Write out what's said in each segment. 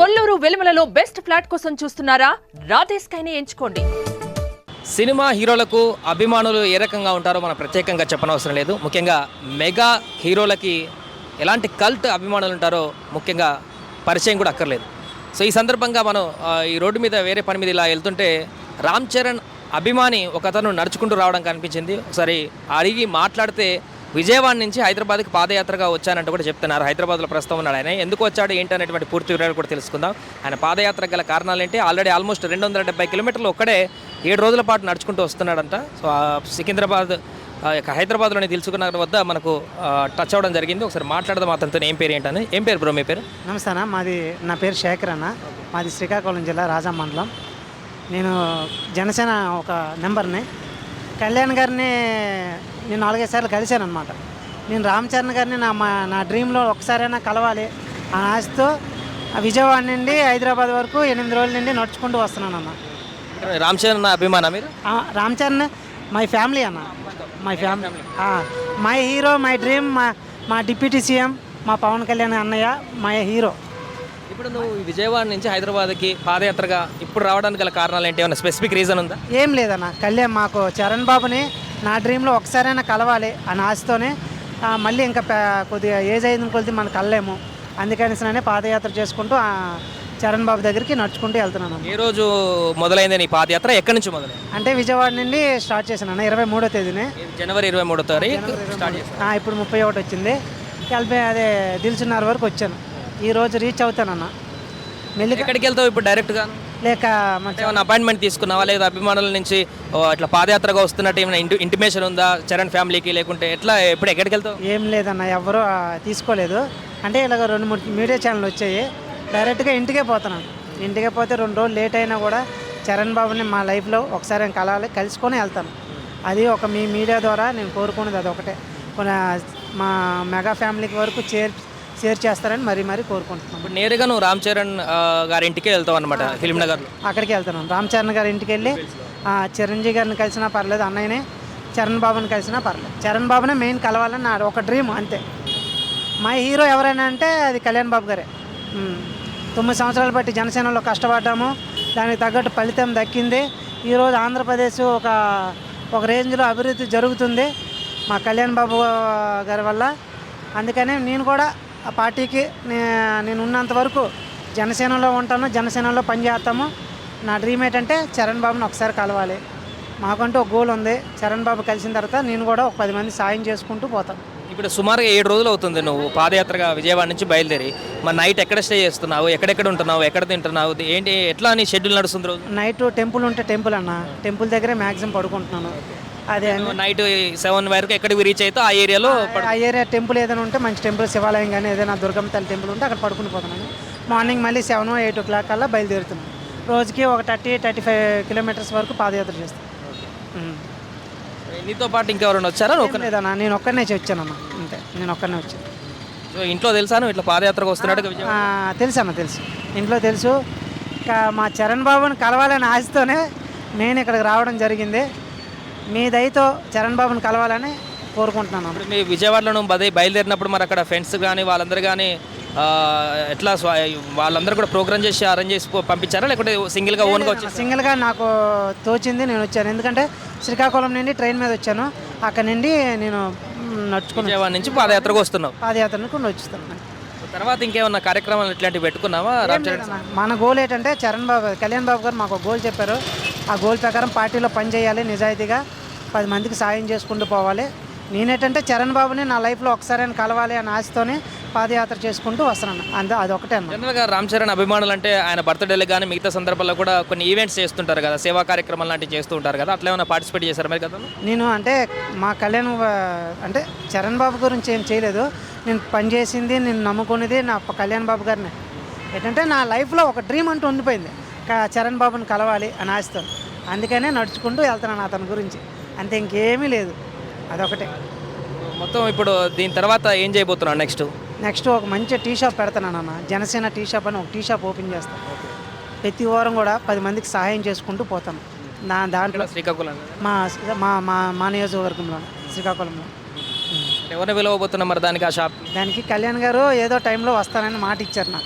Kolluru వెలుమలలో best flat కోసం చూస్తున్నారా? రాధేశ్ కైనే ఎంచుకోండి. సినిమా హీరోలకు అభిమానులు ఏ రకంగా ఉంటారో మనం ప్రత్యేకంగా చెప్పనవసరం లేదు. ముఖ్యంగా మెగా హీరోలకి ఎలాంటి కల్ట్ అభిమానులు ఉంటారో ముఖ్యంగా పరిచయం కూడా అక్కర్లేదు. సో ఈ సందర్భంగా మనం ఈ రోడ్డు మీద వేరే పని మీద ఇలా వెళ్తుంటే రామ్ చరణ్ అభిమాని ఒకతను నడుచుకుంటూ రావడం కనిపించింది. ఒకసారి అడిగి మాట్లాడితే విజయవాడ నుంచి హైదరాబాద్కి పాదయాత్రగా వచ్చానంటూ కూడా చెప్తున్నారు. హైదరాబాద్లో ప్రస్తుతం ఉన్నాడు ఆయన. ఎందుకు వచ్చాడు ఏంటి అనేటువంటి పూర్తి వివరాలు కూడా తెలుసుకుందాం. ఆయన పాదయాత్ర గల కారణాలు ఏంటి? ఆల్రెడీ ఆల్మోస్ట్ 270 కిలోమీటర్లు ఒక్కడే 7 రోజుల పాటు నడుచుకుంటూ వస్తున్నాడంట. సో సికింద్రాబాద్ హైదరాబాద్లోని దిల్సుఖ్నగర్ వద్ద మనకు టచ్ అవ్వడం జరిగింది. ఒకసారి మాట్లాడదాం అతనితో. ఏం పేరు ఏంటని. ఏం పేరు బ్రో మీ పేరు? నమస్తే అన్న, నా పేరు శేఖర్ అన్న. మాది శ్రీకాకుళం జిల్లా రాజా మండలం. నేను జనసేన ఒక నెంబర్ని. కళ్యాణ్ గారిని నేను 4-5 సార్లు కలిశాను అనమాట. నేను రామ్ చరణ్ గారిని నా డ్రీంలో ఒకసారైనా కలవాలి అని ఆశతో విజయవాడ నుండి హైదరాబాద్ వరకు 8 రోజుల నుండి నడుచుకుంటూ వస్తున్నాను అన్న. రామ్ చరణ్ అభిమాన మీరు? రామ్ చరణ్ మై ఫ్యామిలీ అన్న. My family, my hero, my dream, మా డిప్యూటీ సీఎం మా పవన్ కళ్యాణ్ అన్నయ్య మై హీరో. ఇప్పుడు నువ్వు విజయవాడ నుంచి హైదరాబాద్కి పాదయాత్రగా ఇప్పుడు రావడానికి గల కారణాలు ఏంటి? ఏమైనా స్పెసిఫిక్ రీజన్ ఉందా? ఏం లేదన్న, మాకు చరణ్ బాబుని నా డ్రీంలో ఒకసారైనా కలవాలి అని ఆశతోనే మళ్ళీ ఇంకా కొద్దిగా ఏజ్ అయిన కొద్ది మనం కలలేము, అందుకనిసనే పాదయాత్ర చేసుకుంటూ చరణ్ బాబు దగ్గరికి నడుచుకుంటూ వెళ్తున్నాను. ఏ రోజు మొదలైంది నీ పాదయాత్ర? ఎక్కడి నుంచి మొదలైంది? అంటే విజయవాడ నుండి స్టార్ట్ చేశాను అన్న. 23వ తేదీనే, జనవరి 23వ తారీఖు స్టార్ట్ చేశాను. ఇప్పుడు 31 వచ్చింది. అదే దిల్సుఖ్నగర్ వరకు వచ్చాను. ఈరోజు రీచ్ అవుతానన్న. మెల్లిగా ఎక్కడికి వెళ్తావు ఇప్పుడు? డైరెక్ట్గా లేక ఏమైనా అపాయింట్మెంట్ తీసుకున్నావా? లేదా అభిమానుల నుంచి ఇట్లా పాదయాత్రగా వస్తున్నట్టు ఏమైనా ఇంటిమేషన్ ఉందా చరణ్ ఫ్యామిలీకి? లేకుంటే ఎట్లా ఎప్పుడు ఎక్కడికి వెళ్తావు? ఏం లేదన్న, ఎవరు తీసుకోలేదు. అంటే ఇలాగ 2-3 మీడియా ఛానల్ వచ్చాయి. డైరెక్ట్గా ఇంటికే పోతున్నాను. ఇంటికే పోతే 2 రోజులు లేట్ అయినా కూడా చరణ్ బాబుని మా లైఫ్లో ఒకసారి కలవాలి, కలుసుకొని వెళ్తాను. అది ఒక మీ మీడియా ద్వారా నేను కోరుకునేది అది ఒకటే. మా మెగా ఫ్యామిలీకి వరకు షేర్ చేస్తారని మరీ కోరుకుంటున్నాను. ఇప్పుడు నేరుగా నువ్వు రామ్ చరణ్ గారి ఇంటికే వెళ్తావు అనమాట, ఫిల్మ్ నగర్లో? అక్కడికి వెళ్తున్నాను. రామ్ చరణ్ గారి ఇంటికి వెళ్ళి చిరంజీవి గారిని కలిసినా పర్లేదు, అన్నయ్యనే చరణ్ బాబుని కలిసినా పర్లేదు. చరణ్ బాబునే మెయిన్ కలవాలని నా ఒక డ్రీమ్, అంతే. మా హీరో ఎవరైనా అంటే అది కళ్యాణ్ బాబు గారే. 9 సంవత్సరాలు బట్టి జనసేనలో కష్టపడ్డాము, దానికి తగ్గట్టు ఫలితం దక్కింది. ఈరోజు ఆంధ్రప్రదేశ్ ఒక రేంజ్లో అభివృద్ధి జరుగుతుంది మా కళ్యాణ్ బాబు గారి వల్ల. అందుకనే నేను కూడా ఆ పార్టీకి నేను ఉన్నంత వరకు జనసేనలో ఉంటాను, జనసేనలో పనిచేస్తాము. నా డ్రీమ్ ఏంటంటే చరణ్ బాబుని ఒకసారి కలవాలి. మాకంటూ ఒక గోల్ ఉంది. చరణ్ బాబు కలిసిన తర్వాత నేను కూడా ఒక 10 మంది సాయం చేసుకుంటూ పోతాను. ఇప్పుడు సుమారుగా 7 రోజులు అవుతుంది నువ్వు పాదయాత్రగా విజయవాడ నుంచి బయలుదేరి. మరి నైట్ ఎక్కడ స్టే చేస్తున్నావు? ఎక్కడెక్కడ ఉంటున్నావు? ఎక్కడ తింటున్నావు? ఏంటి ఎట్లా నీ షెడ్యూల్ నడుస్తుంది రోజు? నైట్ టెంపుల్ ఉంటే టెంపుల్ అన్న, టెంపుల్ దగ్గరే మ్యాక్సిమం పడుకుంటున్నాను. అదే నైట్ 7 వరకు ఎక్కడికి రీచ్ అయితే ఆ ఏరియాలో ఆ ఏరియా టెంపుల్ ఏదైనా ఉంటే మంచి టెంపుల్, శివాలయం కానీ ఏదైనా దుర్గమ్మ తల్లి టెంపుల్ ఉంటే అక్కడ పడుకుని పోతున్నాను. మార్నింగ్ మళ్ళీ 7-8 o'clock కల్లా బయలుదేరుతున్నాను. రోజుకి ఒక 30-35 కిలోమీటర్స్ వరకు పాదయాత్ర చేస్తాను. నీతో పాటు ఇంకెవరైనా వచ్చారా? లేదన్నా, నేను ఒక్కడనే వచ్చానమ్మా, అంతే. నేను ఒక్కడనే వచ్చాను. సో ఇంట్లో తెలుసాను ఇట్లా పాదయాత్రకు వస్తున్నాడు? తెలుసు అన్న, తెలుసు. ఇంట్లో తెలుసు. ఇంకా మా చరణ్ బాబుని కలవాలని ఆశతోనే నేను ఇక్కడికి రావడం జరిగింది. మీ దయతో చరణ్ బాబుని కలవాలని కోరుకుంటున్నాను. ఇప్పుడు మీ విజయవాడలో బయలుదేరినప్పుడు మరి అక్కడ ఫ్రెండ్స్ కానీ వాళ్ళందరూ కానీ ఎట్లా వాళ్ళందరూ కూడా ప్రోగ్రామ్ చేసి అరేంజ్ చేసి పంపించారా? లేకుంటే సింగిల్గా ఓన్గా వచ్చి? సింగిల్గా నాకు తోచింది నేను వచ్చాను. ఎందుకంటే శ్రీకాకుళం నుండి ట్రైన్ మీద వచ్చాను. అక్కడ నుండి నేను నడుచుకుని విజయవాడ నుంచి పాదయాత్రకు వస్తున్నావు? పాదయాత్రకు వచ్చుతున్నాను. తర్వాత ఇంకేమన్నా కార్యక్రమాలు ఇట్లాంటివి పెట్టుకున్నావా? రామ్ చరణ్ మన గోల్ ఏంటంటే కళ్యాణ్ బాబు గారు మాకు గోల్ చెప్పారు. ఆ గోల్ ప్రకారం పార్టీలో పనిచేయాలి, నిజాయితీగా 10 మందికి సాయం చేసుకుంటూ పోవాలి. నేనేంటంటే చరణ్ బాబుని నా లైఫ్లో ఒకసారి కలవాలి అని ఆశతోనే పాదయాత్ర చేసుకుంటూ వస్తున్నాను. అదొకటే అన్న. జనరల్గా రామ్ చరణ్ అభిమానులు అంటే ఆయన బర్త్డేలు కానీ మిగతా సందర్భాల్లో కూడా కొన్ని ఈవెంట్స్ చేస్తుంటారు కదా, సేవా కార్యక్రమాలు లాంటివి చేస్తూ ఉంటారు కదా, అట్లా ఏమైనా పార్టిసిపేట్ చేశారు మరి కదా? నేను అంటే మా అంటే చరణ్ బాబు గురించి ఏం చేయలేదు. నేను పనిచేసింది, నేను నమ్ముకునేది నా కళ్యాణ్ బాబు గారిని. ఏంటంటే నా లైఫ్లో ఒక డ్రీమ్ అంటూ ఉండిపోయింది, చరణ్ బాబుని కలవాలి అని ఆశతో. అందుకనే నడుచుకుంటూ వెళ్తున్నాను అతని గురించి, అంతే. ఇంకేమీ లేదు, అదొకటే. మొత్తం ఇప్పుడు దీని తర్వాత ఏం చేయబోతున్నాను? నెక్స్ట్ ఒక మంచి టీ షాప్ పెడతాను అన్న. జనసేన టీ షాప్ అని ఒక టీ షాప్ ఓపెన్ చేస్తాను. ప్రతి వారం కూడా 10 మందికి సహాయం చేసుకుంటూ పోతాను. దాంట్లో శ్రీకాకుళం మా నియోజకవర్గంలో, శ్రీకాకుళంలో. ఎవరిని పిలవబోతున్నా మరి దానికి? ఆ షాప్ దానికి కళ్యాణ్ గారు ఏదో టైంలో వస్తానని మాట ఇచ్చారు నాకు.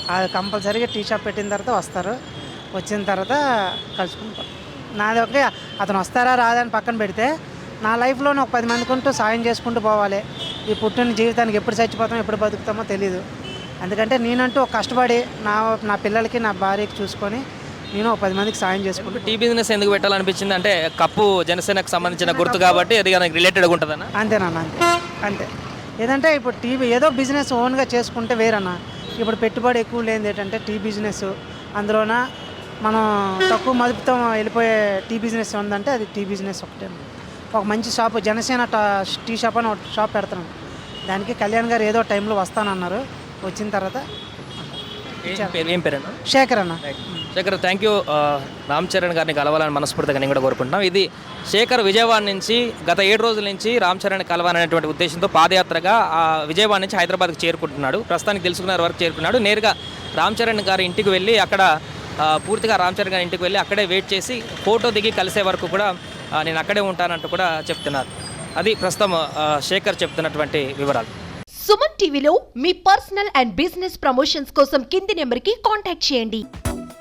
అది కంపల్సరీగా టీ షాప్ పెట్టిన తర్వాత వస్తారు. వచ్చిన తర్వాత కలుసుకుని నాది ఒకే అతను వస్తారా రాదా అని పక్కన పెడితే నా లైఫ్లోనే ఒక 10 మందికి ఉంటూ సాయం చేసుకుంటూ పోవాలి. ఈ పుట్టిన జీవితానికి ఎప్పుడు చచ్చిపోతామో ఎప్పుడు బతుకుతామో తెలియదు. అందుకంటే నేనంటూ ఒక కష్టపడి నా పిల్లలకి నా భార్యకి చూసుకొని నేను ఒక 10 మందికి సాయం చేసుకుంటూ టీ బిజినెస్ ఎందుకు పెట్టాలనిపించింది అంటే కప్పు జనసేనకు సంబంధించిన గుర్తు కాబట్టి అది దానికి రిలేటెడ్గా ఉంటుందన్న. అంతేనన్నా అంతే. ఏదంటే ఇప్పుడు టీవీ ఏదో బిజినెస్ ఓన్గా చేసుకుంటే వేరన్నా. ఇప్పుడు పెట్టుబడి ఎక్కువ లేనిది ఏంటంటే టీ బిజినెస్. అందులోన మనం తక్కువ మదుపుతో వెళ్ళిపోయే టీ బిజినెస్ ఉందంటే అది టీ బిజినెస్ ఒకటే. ఒక మంచి షాపు జనసేన టీ షాప్ అని ఒక షాప్ పెడతాను. దానికి కళ్యాణ్ గారు ఏదో టైంలో వస్తానన్నారు. వచ్చిన తర్వాత ఏం పేరు అన్న? శేఖర్ అన్న. Shekhar, thank you. రామ్ చరణ్ గారిని కలవాలని మనస్ఫూర్తిగా నేను కూడా కోరుకుంటున్నాం. ఇది శేఖర్ విజయవాడ నుంచి గత 7 రోజుల నుంచి రామ్ చరణ్ కలవాలనేటువంటి ఉద్దేశంతో పాదయాత్రగా విజయవాడ నుంచి హైదరాబాద్కి చేరుకుంటున్నాడు. ప్రస్తుతానికి తెలుసుకున్న వరకు చేరుకున్నాడు. నేరుగా రామ్ చరణ్ గారి ఇంటికి వెళ్ళి అక్కడ పూర్తిగా రామ్ చరణ్ గారి ఇంటికి వెళ్ళి అక్కడే వెయిట్ చేసి ఫోటో దిగి కలిసే వరకు కూడా నేను అక్కడే ఉంటానంటూ కూడా చెప్తున్నారు. అది ప్రస్తుతం శేఖర్ చెప్తున్నటువంటి వివరాలు. సుమన్ టీవీలో మీ పర్సనల్ అండ్ బిజినెస్ ప్రమోషన్స్ కోసం కింది నెంబర్కి కాంటాక్ట్ చేయండి.